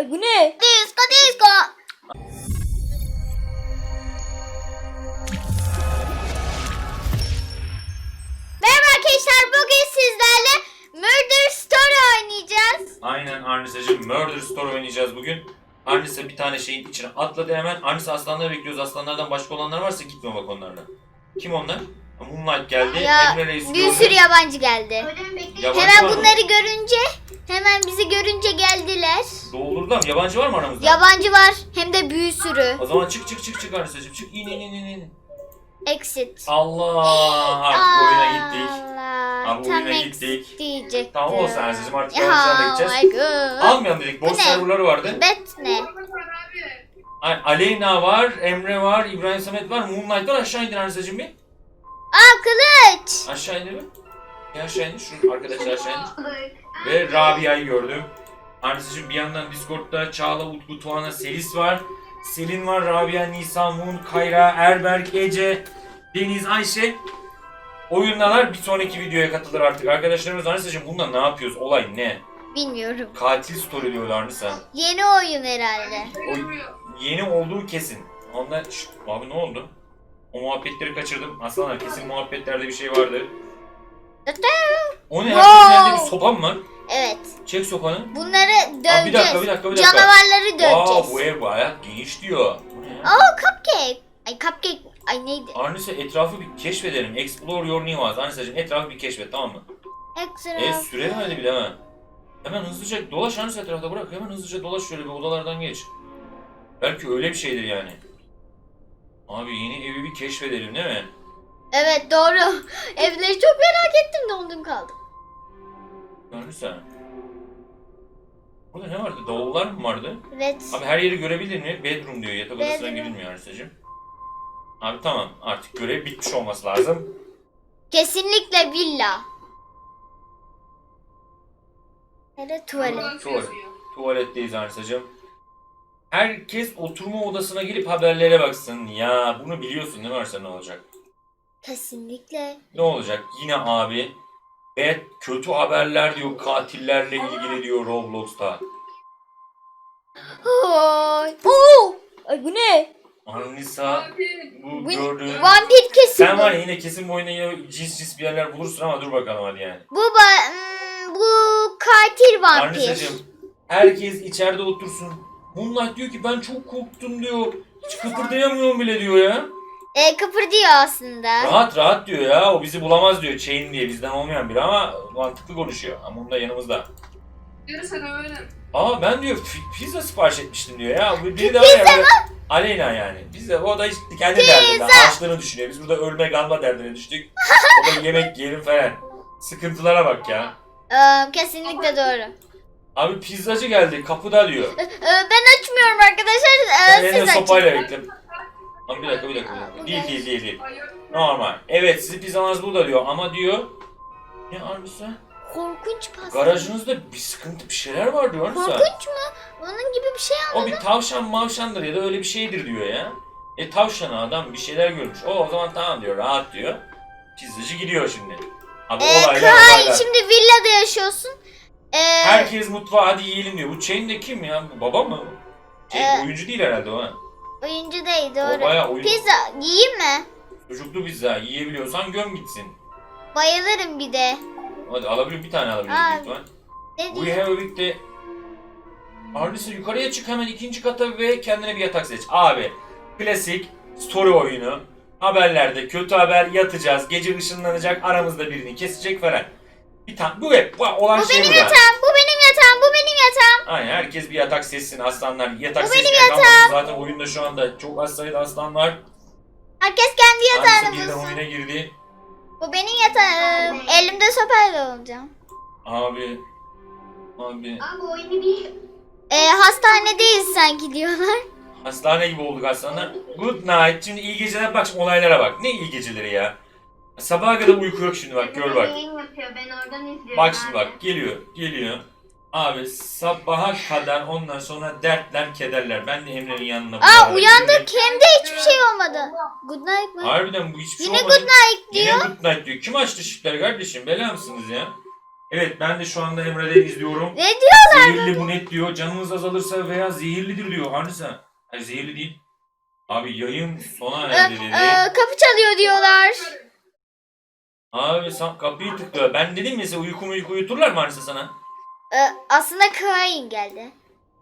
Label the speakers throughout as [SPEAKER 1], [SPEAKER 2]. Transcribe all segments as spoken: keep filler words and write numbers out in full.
[SPEAKER 1] Ay bu ne?
[SPEAKER 2] Disco disco. Merhaba arkadaşlar, bugün sizlerle Murder Story oynayacağız.
[SPEAKER 3] Aynen Arnisa'cığım, Murder Story oynayacağız bugün. Arnisa bir tane şeyin içine atladı hemen. Arnisa aslanları bekliyoruz. Aslanlardan başka olanlar varsa gitme bak onlarla. Kim onlar? Moonlight geldi.
[SPEAKER 2] Ya
[SPEAKER 3] Emre Reis
[SPEAKER 2] bir
[SPEAKER 3] gördü.
[SPEAKER 2] sürü yabancı geldi.
[SPEAKER 3] Yabancı
[SPEAKER 2] Hemen
[SPEAKER 3] var mı?
[SPEAKER 2] bunları görünce, hemen bizi görünce geldiler.
[SPEAKER 3] Doldurdular mı? Yabancı var mı aramızda?
[SPEAKER 2] Yabancı var, hem de bir sürü.
[SPEAKER 3] O zaman çık çık çık çık Arnisa'cığım. Çık in in in in in.
[SPEAKER 2] Exit.
[SPEAKER 3] Allah, artık oyuna gittik.
[SPEAKER 2] Allah.
[SPEAKER 3] Abi
[SPEAKER 2] Tam
[SPEAKER 3] oyuna
[SPEAKER 2] exit
[SPEAKER 3] gittik.
[SPEAKER 2] diyecektim.
[SPEAKER 3] Tamam olsun Arnisa'cığım, artık
[SPEAKER 2] Ya,
[SPEAKER 3] yavaştan
[SPEAKER 2] oh
[SPEAKER 3] gideceğiz.
[SPEAKER 2] my god.
[SPEAKER 3] Almayalım dedik. Boş
[SPEAKER 2] Bu ne?
[SPEAKER 3] serverları vardı.
[SPEAKER 2] Bet ne?
[SPEAKER 3] Ay, Aleyna var, Emre var, İbrahim Samet var, Moonlight var. Aşağı indin Arnisa'cığım bir.
[SPEAKER 2] Aa, kılıç.
[SPEAKER 3] Aşağı indir mi? Bir aşağı indir. Şu arkadaşlar aşağı indir. Ve Rabia'yı gördüm. Arnisa'cığım bir yandan Discord'da Çağla, Utku, Tuana, Selis var. Selin var, Rabia, Nisa, Moon, Kayra, Erberk, Ece, Deniz, Ayşe. Oyundalar. Bir sonraki videoya katılır artık. Arkadaşlarımız Arnisa'cığım bunda ne yapıyoruz? Olay ne?
[SPEAKER 2] Bilmiyorum.
[SPEAKER 3] Katil story diyorlar Arnisa.
[SPEAKER 2] Yeni oyun herhalde.
[SPEAKER 3] O yeni olduğu kesin. Ondan... Şşt, abi ne oldu? O muhabbetleri kaçırdım. Aslanlar kesin muhabbetlerde bir şey vardı. O ne?
[SPEAKER 2] Wow.
[SPEAKER 3] Herkesin elinde bir sopa mı var?
[SPEAKER 2] Evet.
[SPEAKER 3] Çek sopanı.
[SPEAKER 2] Bunları döveceğiz.
[SPEAKER 3] Aa, bir dakika bir dakika bir dakika.
[SPEAKER 2] Canavarları döveceğiz.
[SPEAKER 3] Aa, bu ev bayağı geniş diyor. Bu ne?
[SPEAKER 2] Aa, cupcake. Ay cupcake. Ay neydi?
[SPEAKER 3] Arnisa etrafı bir keşfedelim. Explore your new house. Arnisa'cığım etrafı bir keşfet, tamam mı?
[SPEAKER 2] Extra.
[SPEAKER 3] E sürelim hadi bile hemen. Hemen hızlıca dolaş Arnisa, etrafta bırak. Hemen hızlıca dolaş, şöyle bir odalardan geç. Belki öyle bir şeydir yani. Abi yeni evi bir keşfedelim değil mi?
[SPEAKER 2] Evet, doğru. Evleri çok merak ettim, dondum kaldım.
[SPEAKER 3] Arnisa. Burada ne vardı? Davullar mı vardı?
[SPEAKER 2] Evet.
[SPEAKER 3] Abi her yeri görebilir mi? Bedroom diyor. Yatak odasına
[SPEAKER 2] Bedroom.
[SPEAKER 3] girilmiyor Arnisa'cığım. Abi tamam, artık görev bitmiş olması lazım.
[SPEAKER 2] Kesinlikle villa. Hele tuvalet.
[SPEAKER 3] Tuvalet. Tuvaletteyiz Arnisa'cığım. Herkes oturma odasına gelip haberlere baksın. Ya bunu biliyorsun değil mi Arsa, ne olacak?
[SPEAKER 2] Kesinlikle.
[SPEAKER 3] Ne olacak? Yine abi. Evet, kötü haberler diyor, katillerle ilgili diyor Roblox'ta.
[SPEAKER 2] Oy.
[SPEAKER 1] Oo! Ay bu ne?
[SPEAKER 3] Arnisa, bu
[SPEAKER 2] Bu
[SPEAKER 3] gördüğün...
[SPEAKER 2] vampir kesin.
[SPEAKER 3] Sen
[SPEAKER 2] bu.
[SPEAKER 3] var ya yine kesin bu oyunda yine cins cins bir yerler bulursun ama dur bakalım hadi yani.
[SPEAKER 2] Bu ba- hmm, bu katil vampir.
[SPEAKER 3] Arnisa'cığım, herkes içeride otursun. Moonlight diyor ki ben çok korktum diyor. Hiç kıpırdayamıyorum bile diyor ya.
[SPEAKER 2] E, kıpırdıyor aslında.
[SPEAKER 3] Rahat rahat diyor ya, o bizi bulamaz diyor. Chain diye bizden olmayan biri ama mantıklı konuşuyor. Ama onun da yanımızda.
[SPEAKER 4] Görürsen öğrenin.
[SPEAKER 3] Aa ben diyor fi- pizza sipariş etmiştim diyor ya. Bu biri de var ya böyle Aleyna yani. Biz de o da hiç kendi derdinde, açlığını düşünüyor. Biz burada ölme kalma derdine düştük. O da yemek yiyelim falan. Sıkıntılara bak ya.
[SPEAKER 2] Ee, kesinlikle doğru.
[SPEAKER 3] Abi pizzacı geldi kapıda diyor.
[SPEAKER 2] Ee, ben açmıyorum arkadaşlar. Ee,
[SPEAKER 3] Sen elinde
[SPEAKER 2] siz
[SPEAKER 3] sopayla
[SPEAKER 2] açın.
[SPEAKER 3] bekle. Abi bir dakika bir dakika. Bir dakika. Değil değil değil değil. Normal. Evet sizin pizzanız burada diyor ama diyor. Ne Arnisa?
[SPEAKER 2] Korkunç pasta.
[SPEAKER 3] Garajınızda bir sıkıntı bir şeyler var diyor Arnisa.
[SPEAKER 2] Korkunç mu? Onun gibi bir şey
[SPEAKER 3] O
[SPEAKER 2] anladım.
[SPEAKER 3] bir tavşan mavşandır ya da öyle bir şeydir diyor ya. E tavşanı adam bir şeyler görmüş. O o zaman tamam diyor, rahat diyor. Pizzacı gidiyor şimdi. Abi
[SPEAKER 2] Ee,
[SPEAKER 3] olaylar
[SPEAKER 2] Kay,
[SPEAKER 3] olaylar.
[SPEAKER 2] şimdi villada yaşıyorsun. Ee,
[SPEAKER 3] Herkes mutfağa hadi yiyelim diyor. Bu Chain de kim ya? Bu baba mı? Chain
[SPEAKER 2] Ee,
[SPEAKER 3] oyuncu değil herhalde o ha.
[SPEAKER 2] oyuncu değil,
[SPEAKER 3] O
[SPEAKER 2] doğru.
[SPEAKER 3] bayağı oyuncu.
[SPEAKER 2] Pizza yiyeyim mi?
[SPEAKER 3] Çocuklu pizza yiyebiliyorsan göm gitsin.
[SPEAKER 2] Bayılırım bir de.
[SPEAKER 3] Hadi alabilir bir tane alabiliriz
[SPEAKER 2] Aa,
[SPEAKER 3] büyük ihtimal.
[SPEAKER 2] Ne
[SPEAKER 3] We
[SPEAKER 2] diyor?
[SPEAKER 3] have a big day. Arnisa yukarıya çık hemen ikinci kata ve kendine bir yatak seç. Abi klasik story oyunu. Haberlerde kötü haber, yatacağız. Gece ışınlanacak, aramızda birini kesecek falan. Bir tane bu hep bu olan
[SPEAKER 2] Bu
[SPEAKER 3] şey
[SPEAKER 2] benim
[SPEAKER 3] burada.
[SPEAKER 2] yatağım, bu benim yatağım, bu benim yatağım.
[SPEAKER 3] Aynen herkes bir yatak seçsin aslanlar. Yatak
[SPEAKER 2] Bu benim
[SPEAKER 3] seçmeye kalmasın. Zaten oyunda şu anda çok az sayıda aslan var.
[SPEAKER 2] Herkes kendi yatağını
[SPEAKER 3] Arnisa birden
[SPEAKER 2] bulsun.
[SPEAKER 3] oyuna girdi.
[SPEAKER 2] Bu benim yatağım. Elimde sopayla olacağım.
[SPEAKER 3] Abi. Abi.
[SPEAKER 4] Abi oyunu bir...
[SPEAKER 2] Ee, hastanedeyiz sanki diyorlar.
[SPEAKER 3] Hastane gibi olduk aslanlar. Good night. Şimdi iyi geceler, bak şimdi olaylara bak. Ne iyi geceleri ya. Sabaha kadar uyku yok şimdi bak, gör bak.
[SPEAKER 4] Yayın yapıyor, ben oradan izliyorum.
[SPEAKER 3] Bak şimdi
[SPEAKER 4] abi.
[SPEAKER 3] bak geliyor geliyor. Abi sabaha kadar ondan sonra dertler kederler. Ben de Emre'nin yanına.
[SPEAKER 2] Aa,
[SPEAKER 3] beraber
[SPEAKER 2] uyandık,
[SPEAKER 3] girdim.
[SPEAKER 2] hem de hiçbir şey olmadı. Good night mı?
[SPEAKER 3] Harbiden bu hiçbir
[SPEAKER 2] Yine
[SPEAKER 3] şey olmadı.
[SPEAKER 2] good night
[SPEAKER 3] Yine
[SPEAKER 2] diyor.
[SPEAKER 3] good night diyor. Kim açtı ışıkları kardeşim? Bela mısınız ya? Evet ben de şu anda Emre'den izliyorum.
[SPEAKER 2] Ne diyor?
[SPEAKER 3] Zehirli bu net diyor. Canınız azalırsa veya zehirlidir diyor. Arnisa. Hayır zehirli değil. Abi yayın sona
[SPEAKER 2] Ee,
[SPEAKER 3] erdi dedi.
[SPEAKER 2] e, kapı çalıyor diyorlar.
[SPEAKER 3] Abi sen kapıyı tıklıyor. Ben dedim ya size uyku uyku uyuturlar mı Arnisa sana?
[SPEAKER 2] Ee, aslında Kain geldi.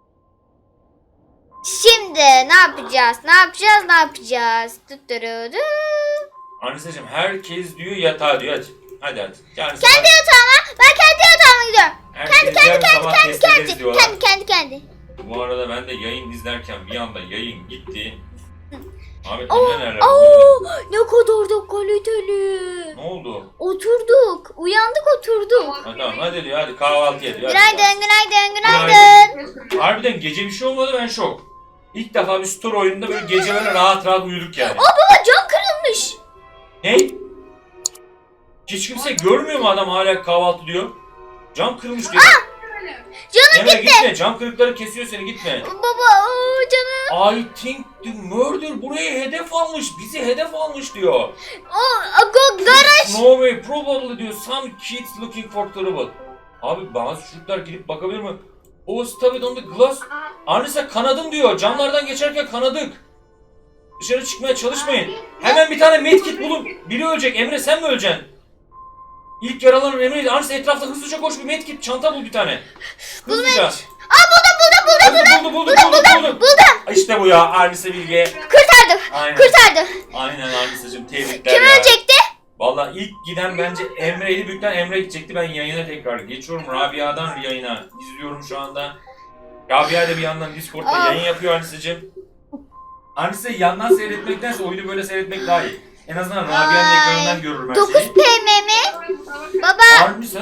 [SPEAKER 2] Şimdi ne yapacağız? Ne yapacağız? Ne yapacağız? Tutturudu.
[SPEAKER 3] Arnisa'cığım herkes diyor yatağa diyor. Hadi. Hadi hadi. Yani
[SPEAKER 2] Kendi yatağıma. Ben kendi yatağıma gidiyorum. Kendi kendi kendi kendi kendi.
[SPEAKER 3] diyorlar.
[SPEAKER 2] Kendi kendi kendi.
[SPEAKER 3] Bu arada ben de yayın izlerken bir anda yayın gitti. Abi
[SPEAKER 2] Oo,
[SPEAKER 3] Emre nerede?
[SPEAKER 2] oo, ne kadar da kaliteli.
[SPEAKER 3] Ne oldu?
[SPEAKER 2] Oturduk. Uyandık oturduk.
[SPEAKER 3] Ha, tamam hadi diyor hadi kahvaltı yedi. Hadi.
[SPEAKER 2] Günaydın günaydın
[SPEAKER 3] Günaydın.
[SPEAKER 2] günaydın.
[SPEAKER 3] Harbiden gece bir şey olmadı ben şok. İlk defa bir store oyununda böyle gece böyle rahat rahat uyuduk yani.
[SPEAKER 2] Baba cam kırılmış.
[SPEAKER 3] Ne? Hiç kimse görmüyor mu adam hala kahvaltı diyor? Cam kırılmış diyor.
[SPEAKER 2] Canım
[SPEAKER 3] Emre gitme cam kırıkları kesiyor seni gitme.
[SPEAKER 2] Baba oo, canım.
[SPEAKER 3] I think the murder buraya hedef almış. Bizi hedef almış diyor.
[SPEAKER 2] O go, garaj.
[SPEAKER 3] No way probably diyor. Some kids looking for trouble. Abi bazı çocuklar gidip bakabilir mi? O stupid on the glass. Arnisa kanadım diyor. Camlardan geçerken kanadık. Dışarı çıkmaya çalışmayın. Hemen bir tane medkit bulun. Biri ölecek. Emre sen mi öleceksin? İlk yaralanan Emre'ydi. Arnisa etrafta hızlıca koş bir medkit. Çanta bul bir tane. Hızlıca.
[SPEAKER 2] Aa buldum buldum buldum
[SPEAKER 3] Buldu buldu buldu buldu buldu.
[SPEAKER 2] buldum.
[SPEAKER 3] İşte bu ya Arnisa Bilge.
[SPEAKER 2] Kurtardım.
[SPEAKER 3] Aynen.
[SPEAKER 2] Kurtardım.
[SPEAKER 3] Aynen Arnisa'cığım tebrikler
[SPEAKER 2] Kim
[SPEAKER 3] ya.
[SPEAKER 2] ölecekti?
[SPEAKER 3] Valla ilk giden bence Emre'ydi. Büyükten Emre gidecekti. Ben yayına tekrar geçiyorum. Rabia'dan yayına izliyorum şu anda. Rabia da bir yandan Discord'da
[SPEAKER 2] Aa.
[SPEAKER 3] yayın yapıyor Arnisa'cığım. Arnisa yandan seyretmektense oyunu böyle seyretmek daha iyi. En azından Rabia'nın
[SPEAKER 2] Ay.
[SPEAKER 3] ekranından görürüm her
[SPEAKER 2] dokuz
[SPEAKER 3] şeyi.
[SPEAKER 2] P M mi? Baba
[SPEAKER 3] Arnisa.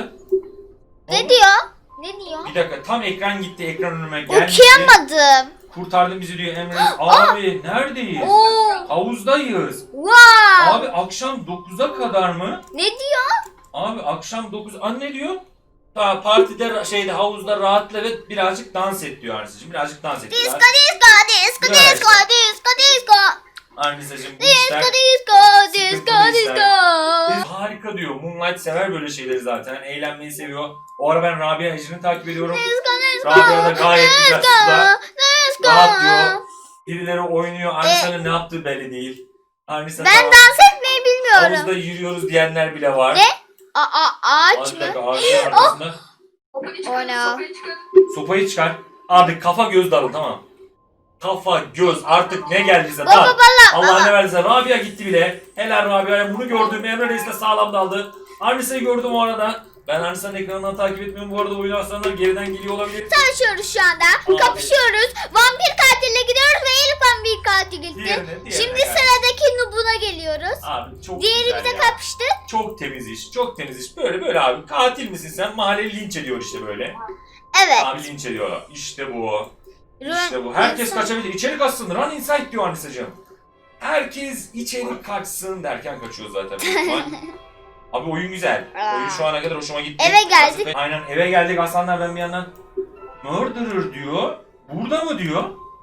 [SPEAKER 2] ne diyor? Ne diyor?
[SPEAKER 3] Bir dakika tam ekran gitti ekran önüme gelmişti.
[SPEAKER 2] Okuyamadım.
[SPEAKER 3] Kurtardın bizi diyor Emre. Abi neredeyiz?
[SPEAKER 2] Oo.
[SPEAKER 3] Havuzdayız.
[SPEAKER 2] Wow.
[SPEAKER 3] Abi akşam dokuza kadar mı?
[SPEAKER 2] Ne diyor?
[SPEAKER 3] Abi akşam dokuz an ne diyor? Ta partide şeyde havuzda rahatla ve birazcık dans et diyor Arnisa'cığım. Birazcık dans et.
[SPEAKER 2] Disco
[SPEAKER 3] Biraz.
[SPEAKER 2] disco disco
[SPEAKER 3] Güzel.
[SPEAKER 2] disco disco disco.
[SPEAKER 3] Arnisa'cığım bu
[SPEAKER 2] Disco
[SPEAKER 3] işler
[SPEAKER 2] disco disco
[SPEAKER 3] sıkıntılı
[SPEAKER 2] disco.
[SPEAKER 3] işler. Harika diyor. Moonlight sever böyle şeyleri zaten. Eğlenmeyi seviyor. O ara ben Rabia Ejder'i takip ediyorum.
[SPEAKER 2] Disco disco.
[SPEAKER 3] Rabia da gayet güzel suda.
[SPEAKER 2] Disco.
[SPEAKER 3] Rahat diyor. Birileri oynuyor. Arnisa'nın ne yaptığı belli değil. Arnisa
[SPEAKER 2] Ben
[SPEAKER 3] tamam,
[SPEAKER 2] dans etmeyi bilmiyorum.
[SPEAKER 3] havuzda yürüyoruz diyenler bile var.
[SPEAKER 2] Ne? A a ağaç
[SPEAKER 3] Ağaç
[SPEAKER 2] mı?
[SPEAKER 3] ağacın arkasında.
[SPEAKER 2] Oh no.
[SPEAKER 3] Sopayı çıkar. Abi kafa göz dalın tamam. Kafa göz artık ne geldiyse
[SPEAKER 2] Baba
[SPEAKER 3] dal.
[SPEAKER 2] baba.
[SPEAKER 3] Allah ne verdiyse Rabia gitti bile. Helal Rabia'ya bunu gördüm. Emre Reis de sağlam daldı. Arnisa'yı gördüm o arada. Ben Arnisa'nın ekranından takip etmiyorum. Bu arada oyun aslanlar geriden geliyor olabilir.
[SPEAKER 2] Tanışıyoruz şu anda. Kapışıyoruz. Vampir katille gidiyoruz ve Elif vampir katil gitti.
[SPEAKER 3] Diğerine, diğerine
[SPEAKER 2] Şimdi
[SPEAKER 3] gel.
[SPEAKER 2] sıradaki Nubun'a geliyoruz.
[SPEAKER 3] Abi çok
[SPEAKER 2] Diğeri
[SPEAKER 3] güzel
[SPEAKER 2] bize
[SPEAKER 3] ya.
[SPEAKER 2] kapıştı.
[SPEAKER 3] Çok temiz iş. Çok temiz iş. Böyle böyle abi. Katil misin sen? Mahalleyi linç ediyor işte böyle.
[SPEAKER 2] Evet.
[SPEAKER 3] Abi linç ediyor. İşte bu.
[SPEAKER 2] Run-
[SPEAKER 3] İşte bu. Herkes
[SPEAKER 2] insan-
[SPEAKER 3] kaçabilir. İçeri kaçsın. Run inside diyor Arnisa'cığım. Herkes içeri kaçsın derken kaçıyor zaten. büyük ihtimal. Abi oyun güzel. Oyun şu ana kadar hoşuma gitti.
[SPEAKER 2] Eve geldik.
[SPEAKER 3] Aynen eve geldik. Aslanlar ben bir yandan murderer diyor. Burada mı diyor?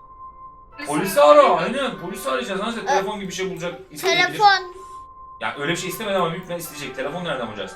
[SPEAKER 3] Polisi ara. Aynen polisi arayacağız. Nasıl telefon gibi bir şey bulacak. isteyebilir.
[SPEAKER 2] Telefon.
[SPEAKER 3] Ya öyle bir şey istemedi ama büyük ihtimalle isteyecek. Telefon nereden bulacağız?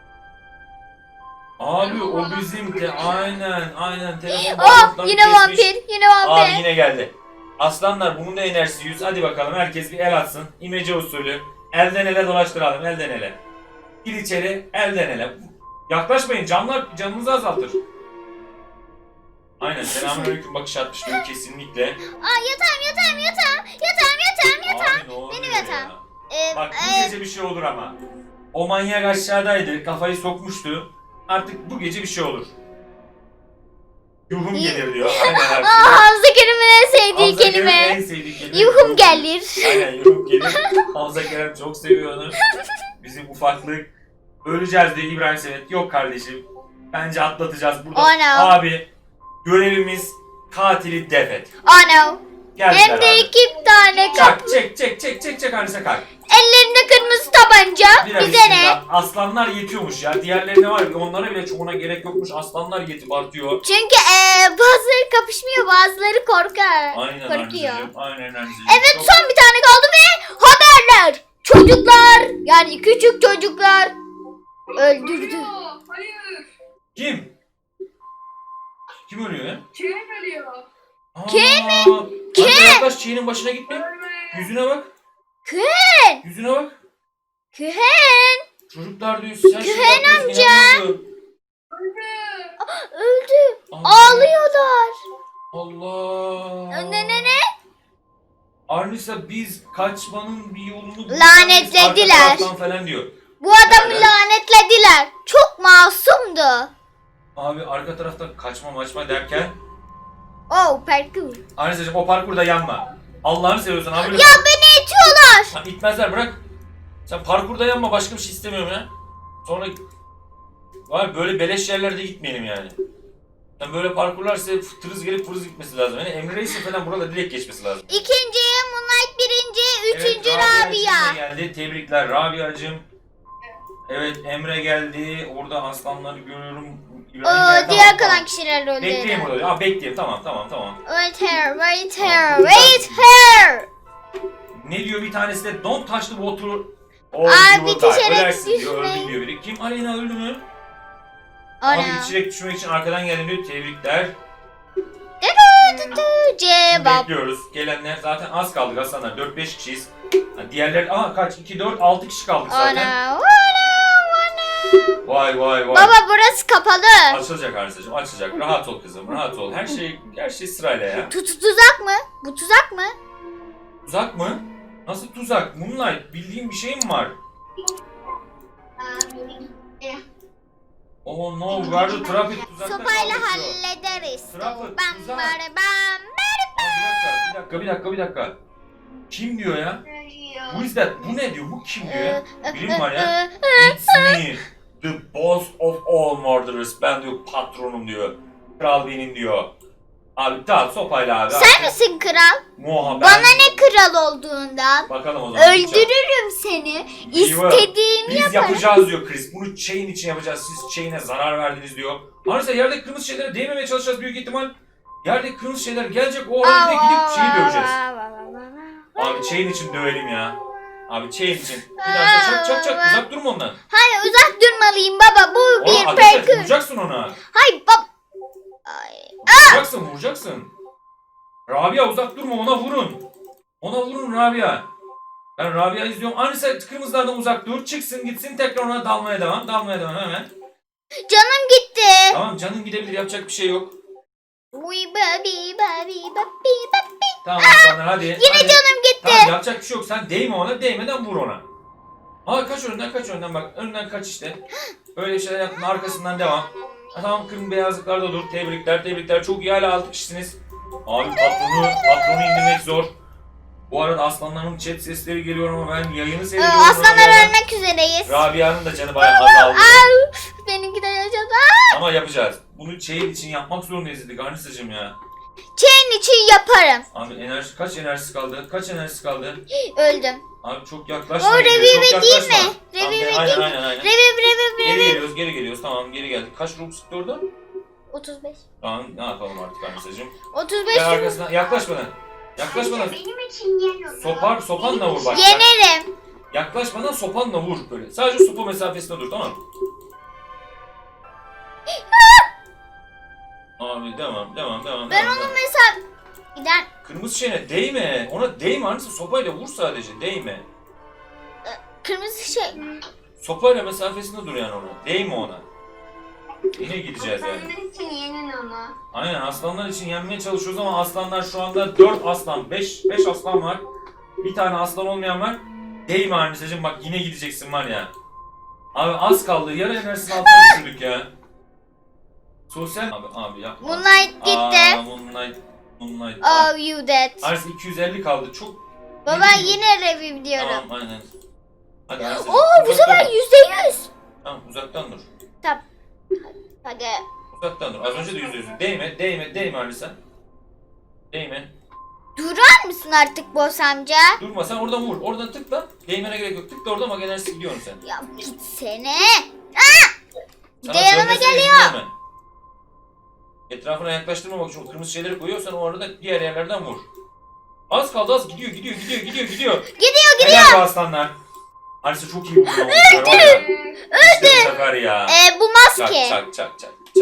[SPEAKER 3] Abi o bizim de aynen aynen telefon
[SPEAKER 2] Oh
[SPEAKER 3] bağlantılarını
[SPEAKER 2] yine
[SPEAKER 3] kesmiş.
[SPEAKER 2] vampir. Yine vampir.
[SPEAKER 3] Abi yine geldi. Aslanlar bunun da enerjisi yüz. Hadi bakalım herkes bir el atsın. İmece usulü. Elden ele dolaştıralım. Elden ele. Gir içeri. Elden ele. Yaklaşmayın. Camlar canınızı azaltır. Aynen. Selamünaleyküm bakış atmış diyor kesinlikle.
[SPEAKER 2] Aa yatağım yatağım yatağım. Yatağım yatağım yatağım.
[SPEAKER 3] Abi ne oluyor
[SPEAKER 2] Benim
[SPEAKER 3] ya?
[SPEAKER 2] yatağım. Ee,
[SPEAKER 3] Bak bu
[SPEAKER 2] e,
[SPEAKER 3] gece bir şey olur ama. O manyak aşağıdaydı. Kafayı sokmuştu. Artık bu gece bir şey olur. Yuhum
[SPEAKER 2] İyi.
[SPEAKER 3] gelir diyor. Aynen abi.
[SPEAKER 2] Aa, Hamza Kerim'in en sevdiği
[SPEAKER 3] Hamza Kerem'in en
[SPEAKER 2] kelime.
[SPEAKER 3] sevdiği kelime.
[SPEAKER 2] Yuhum gelir.
[SPEAKER 3] Aynen yuhum gelir. Hamza Kerem çok seviyor onu. Bizim ufaklık. Öleceğiz diye İbrahim Senet. Yok kardeşim. Bence atlatacağız burada.
[SPEAKER 2] Oh no.
[SPEAKER 3] Abi görevimiz katili def et.
[SPEAKER 2] Oh no.
[SPEAKER 3] Geldiler
[SPEAKER 2] Hem de
[SPEAKER 3] abi.
[SPEAKER 2] iki tane kap.
[SPEAKER 3] Çak çek çek çek çek çek Arnisa kalk.
[SPEAKER 2] Ellerinde kırmızı tabanca.
[SPEAKER 3] Bira
[SPEAKER 2] Bize ne?
[SPEAKER 3] bismillah. Aslanlar yetiyormuş ya. Diğerlerine var ya onlara bile çoğuna gerek yokmuş. Aslanlar yetip artıyor.
[SPEAKER 2] Çünkü ee, bazıları kapışmıyor, bazıları korkar.
[SPEAKER 3] Aynen
[SPEAKER 2] Korkuyor.
[SPEAKER 3] Arnisa'cığım. Aynen Arnisa'cığım.
[SPEAKER 2] Evet
[SPEAKER 3] Çok-
[SPEAKER 2] son bir tane kaldı ve haberler. Çocuklar yani küçük çocuklar öldürdü.
[SPEAKER 4] Hayır.
[SPEAKER 3] Kim? Kim ölüyor ya?
[SPEAKER 4] Kim ölüyor?
[SPEAKER 3] Ken mi? Ken. Yaklaş şeyinin başına gitme.
[SPEAKER 4] Ölme.
[SPEAKER 3] Yüzüne bak.
[SPEAKER 2] Ken.
[SPEAKER 3] Yüzüne bak.
[SPEAKER 2] Ken.
[SPEAKER 3] Çocuklar diyor sen
[SPEAKER 2] Ken
[SPEAKER 3] şey
[SPEAKER 2] amca.
[SPEAKER 3] amca.
[SPEAKER 4] Öldü.
[SPEAKER 2] Öldü.
[SPEAKER 3] Allah.
[SPEAKER 2] Ağlıyorlar.
[SPEAKER 3] Allah.
[SPEAKER 2] Ne ne ne?
[SPEAKER 3] Arnisa biz kaçmanın bir yolunu bulacağız.
[SPEAKER 2] Lanetlediler.
[SPEAKER 3] Arka taraftan falan diyor.
[SPEAKER 2] Bu adamı
[SPEAKER 3] Nereden?
[SPEAKER 2] lanetlediler. Çok masumdu.
[SPEAKER 3] Abi arka taraftan kaçma maçma derken
[SPEAKER 2] Oh parkur.
[SPEAKER 3] Arnisa'cığım o parkurda yanma. Allah'ını seviyorsan abi.
[SPEAKER 2] Ya beni itiyorlar.
[SPEAKER 3] Ha, itmezler bırak. Sen parkurda yanma başka bir şey istemiyorum ya. Sonra var böyle beleş yerlerde gitmeyelim yani. Yani böyle parkurlar size tırız gelip fırız gitmesi lazım. Yani Emre Reis'in falan burada direkt geçmesi lazım.
[SPEAKER 2] İkinci Moonlight birinci, üçüncü
[SPEAKER 3] Evet, Rabia
[SPEAKER 2] Rabia.
[SPEAKER 3] geldi. Tebrikler Rabia'cığım. Evet Emre geldi. Orada aslanları görüyorum. İbrahim
[SPEAKER 2] Oo,
[SPEAKER 3] geldi.
[SPEAKER 2] diğer
[SPEAKER 3] Tamam,
[SPEAKER 2] kalan
[SPEAKER 3] tamam.
[SPEAKER 2] kişiler öldü.
[SPEAKER 3] Bekleyeyim orada. Aa bekleyeyim tamam tamam tamam.
[SPEAKER 2] Wait here, wait here, wait here.
[SPEAKER 3] Ne diyor bir tanesi de don't touch the water or
[SPEAKER 2] Aa,
[SPEAKER 3] you will
[SPEAKER 2] bir
[SPEAKER 3] die.
[SPEAKER 2] düşerek
[SPEAKER 3] Ölersin diyor.
[SPEAKER 2] düşmeyin.
[SPEAKER 3] Öldüm diyor biri. Kim? Aleyna öldü mü? Abi
[SPEAKER 2] Ana.
[SPEAKER 3] içerek düşmek için arkadan geldim diyor. Tebrikler.
[SPEAKER 2] Dudu dudu, cevap.
[SPEAKER 3] Bekliyoruz. Gelenler zaten az kaldık aslanlar. dört beş kişiyiz. Ha, diğerleri aha kaç? iki dört altı kişi kaldık zaten.
[SPEAKER 2] Ana, ana, ana.
[SPEAKER 3] Vay vay vay.
[SPEAKER 2] Baba burası kapalı.
[SPEAKER 3] Açılacak Arsacığım açılacak. Rahat ol kızım rahat ol. Her şey her şey sırayla ya.
[SPEAKER 2] Tut tuzak mı? Bu tuzak mı?
[SPEAKER 3] Tuzak mı? Nasıl tuzak? Moonlight bildiğin bir şey mi var?
[SPEAKER 4] Aa, beni gitti.
[SPEAKER 3] Oh no, where the traffic tuzakta
[SPEAKER 2] Sopayla
[SPEAKER 3] kaldık şu.
[SPEAKER 2] hallederiz.
[SPEAKER 3] Trafik,
[SPEAKER 2] Bam
[SPEAKER 3] tuzak.
[SPEAKER 2] bam bam.
[SPEAKER 3] Aa, bir dakika, bir dakika, bir dakika, bir dakika. Kim diyor ya?
[SPEAKER 4] Ölüyor.
[SPEAKER 3] Who is that? Bu ne diyor? Bu kim diyor ya?
[SPEAKER 2] Ee,
[SPEAKER 3] Bilim var ya.
[SPEAKER 2] e,
[SPEAKER 3] It's me, the boss of all murderers. Ben diyor patronum diyor. Kral benim diyor. Abi tamam sopayla abi.
[SPEAKER 2] Sen misin kral?
[SPEAKER 3] Muha ben.
[SPEAKER 2] Bana ne kral olduğundan?
[SPEAKER 3] Bakalım o zaman.
[SPEAKER 2] Öldürürüm seni.
[SPEAKER 3] Weaver,
[SPEAKER 2] İstediğimi
[SPEAKER 3] Biz
[SPEAKER 2] yaparım.
[SPEAKER 3] yapacağız diyor Chris. Bunu chain için yapacağız. Siz chain'e zarar verdiniz diyor. Arisa yerdeki kırmızı şeylere değmemeye çalışacağız büyük ihtimal. Yerdeki kırmızı şeyler gelecek. O arada gidip şeyi döveceğiz. Abi chain için dövelim ya. Abi chain için. Bir daha çak çak çak. Uzak durma ondan.
[SPEAKER 2] Hayır uzak durmalıyım baba. Bu
[SPEAKER 3] Ona
[SPEAKER 2] bir
[SPEAKER 3] ateş et.
[SPEAKER 2] parkur.
[SPEAKER 3] Vuracaksın ona.
[SPEAKER 2] Hayır baba. Ay.
[SPEAKER 3] Vuracaksın vuracaksın. Rabia uzak durma ona vurun. Ona vurun Rabia. Ben Rabia izliyorum. Anisa kırmızılardan uzak dur. Çıksın gitsin tekrar ona dalmaya devam. Dalmaya devam hemen.
[SPEAKER 2] Canım gitti.
[SPEAKER 3] Tamam canın gidebilir yapacak bir şey yok.
[SPEAKER 2] Uy babi babi babi babi.
[SPEAKER 3] Tamam aslanlar hadi.
[SPEAKER 2] Yine
[SPEAKER 3] hadi.
[SPEAKER 2] canım gitti.
[SPEAKER 3] Tamam yapacak bir şey yok. Sen değme ona değmeden vur ona. Aa kaç önden kaç önden bak. Önden kaç işte. Öyle şeyler yaptın arkasından devam. Ha, tamam kırmızı beyazlıklarda dur. Tebrikler tebrikler. Çok iyi hala altı kişisiniz. Abi patronu, patronu indirmek zor. Bu arada aslanların chat sesleri geliyor ama ben yayını
[SPEAKER 2] Ee,
[SPEAKER 3] seyrediyorum.
[SPEAKER 2] Aslanlar
[SPEAKER 3] Rabia'dan.
[SPEAKER 2] ölmek üzereyiz.
[SPEAKER 3] Rabia'nın da canı bayağı azaldı.
[SPEAKER 2] Au, benimki de yaşadı.
[SPEAKER 3] Ama yapacağız. Bunu şeyin için yapmak zorundayız dedik Arnisa'cığım ya.
[SPEAKER 2] Chain için yaparım.
[SPEAKER 3] Abi enerji kaç enerjisi kaldı? Kaç enerjisi kaldı?
[SPEAKER 2] Öldüm.
[SPEAKER 3] Abi çok yaklaşma.
[SPEAKER 2] O
[SPEAKER 3] geliyor,
[SPEAKER 2] revive
[SPEAKER 3] çok
[SPEAKER 2] değil
[SPEAKER 3] yaklaşma.
[SPEAKER 2] mi?
[SPEAKER 3] Tamam,
[SPEAKER 2] Revive
[SPEAKER 3] aynen,
[SPEAKER 2] değil mi?
[SPEAKER 3] aynen aynen.
[SPEAKER 2] Reviv reviv
[SPEAKER 3] Geri
[SPEAKER 2] reviv.
[SPEAKER 3] geliyoruz, geri geliyoruz. Tamam, geri geldik. Kaç ruh sıktı orada?
[SPEAKER 2] otuz beş.
[SPEAKER 3] Tamam, ne yapalım artık Arnisa'cığım?
[SPEAKER 2] otuz beş.
[SPEAKER 3] Gel arkasından, yaklaşmadan. Yaklaşmadan.
[SPEAKER 4] Benim için yeniyor.
[SPEAKER 3] Sopar, sopanla vur bak.
[SPEAKER 2] Yenerim.
[SPEAKER 3] Yaklaşmadan sopanla vur böyle. Sadece sopa mesafesinde dur, tamam mı? Abi devam, devam, devam.
[SPEAKER 2] Ben
[SPEAKER 3] devam,
[SPEAKER 2] onu
[SPEAKER 3] devam.
[SPEAKER 2] mesela gider
[SPEAKER 3] Kırmızı şeyine değme. Ona değme Arnisa, sopayla vur sadece, değme.
[SPEAKER 2] kırmızı şey.
[SPEAKER 3] Sopayla mesafesinde dur yani ona. Değme ona. Yine gideceğiz yani.
[SPEAKER 4] Aslanlar için yenin onu.
[SPEAKER 3] Aynen aslanlar için yenmeye çalışıyoruz ama aslanlar şu anda dört aslan, beş beş aslan var. Bir tane aslan olmayan var. Değme Arnisa'cığım bak yine gideceksin var ya. Abi az kaldı. Yarı enerjisini altına düşürdük ya. Sosyal abi abi yapma.
[SPEAKER 2] Moonlight gitti.
[SPEAKER 3] Aa, Moonlight. Moonlight.
[SPEAKER 2] Oh you dead.
[SPEAKER 3] Arnisa iki yüz elli kaldı. Çok.
[SPEAKER 2] Baba
[SPEAKER 3] Ne diyeyim?
[SPEAKER 2] yine reviv diyorum.
[SPEAKER 3] Tamam aynen. Hadi Arnisa'cığım.
[SPEAKER 2] Oo bu
[SPEAKER 3] uzaktan
[SPEAKER 2] sefer
[SPEAKER 3] dur.
[SPEAKER 2] yüzde yüz.
[SPEAKER 3] Tamam uzaktan dur.
[SPEAKER 2] Hadi.
[SPEAKER 3] Uzaktan dur. Az önce de yüzde yüz. Değme, değme, değme Arnisa. Değme.
[SPEAKER 2] Durar mısın artık boss amca?
[SPEAKER 3] Durma sen oradan vur. Oradan tıkla. Değmene gerek yok. Tıkla orada ama enerjisi gidiyorsun sen.
[SPEAKER 2] Ya gitsene. Bir
[SPEAKER 3] Sana
[SPEAKER 2] de yanıma
[SPEAKER 3] dönmesine izin
[SPEAKER 2] geliyor.
[SPEAKER 3] verme. Etrafına yaklaştırmamak için o kırmızı şeyleri koyuyorsan o arada diğer yerlerden vur. Az kaldı az gidiyor gidiyor gidiyor gidiyor gidiyor.
[SPEAKER 2] Gidiyor gidiyor.
[SPEAKER 3] Helal bu aslanlar. Arisa çok iyi vurdu. Öldü. İşte bu sefer ya.
[SPEAKER 2] Ee, bu
[SPEAKER 3] Çak
[SPEAKER 2] maske.
[SPEAKER 3] çak çak çak.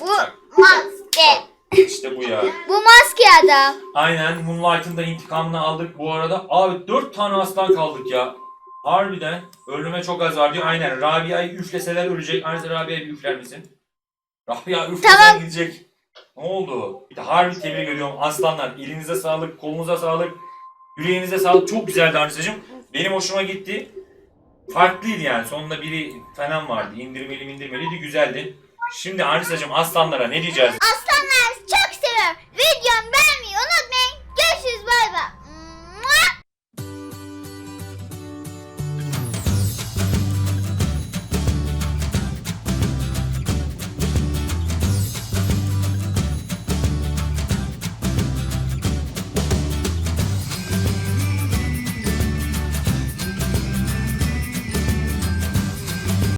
[SPEAKER 2] Bu maske.
[SPEAKER 3] İşte bu ya.
[SPEAKER 2] Bu maske adam.
[SPEAKER 3] Aynen Moonlight'ın da intikamını aldık bu arada. Abi dört tane aslan kaldık ya. Harbiden ölüme çok az var diyor. Aynen Rabia'yı üfleseler ölecek. Aynısı Rabia'yı bir üfler misin? Rabia üflesen
[SPEAKER 2] Tamam.
[SPEAKER 3] gidecek. Ne oldu? Bir de harbi tebrik ediyorum aslanlar. Elinize sağlık, kolunuza sağlık, yüreğinize sağlık. Çok güzeldi Arnisa'cığım. Benim hoşuma gitti. Farklıydı yani. Sonunda biri falan vardı. İndirmeli indirmeliydi. Güzeldi. Şimdi Arnisa'cığım aslanlara ne diyeceğiz?
[SPEAKER 2] Aslan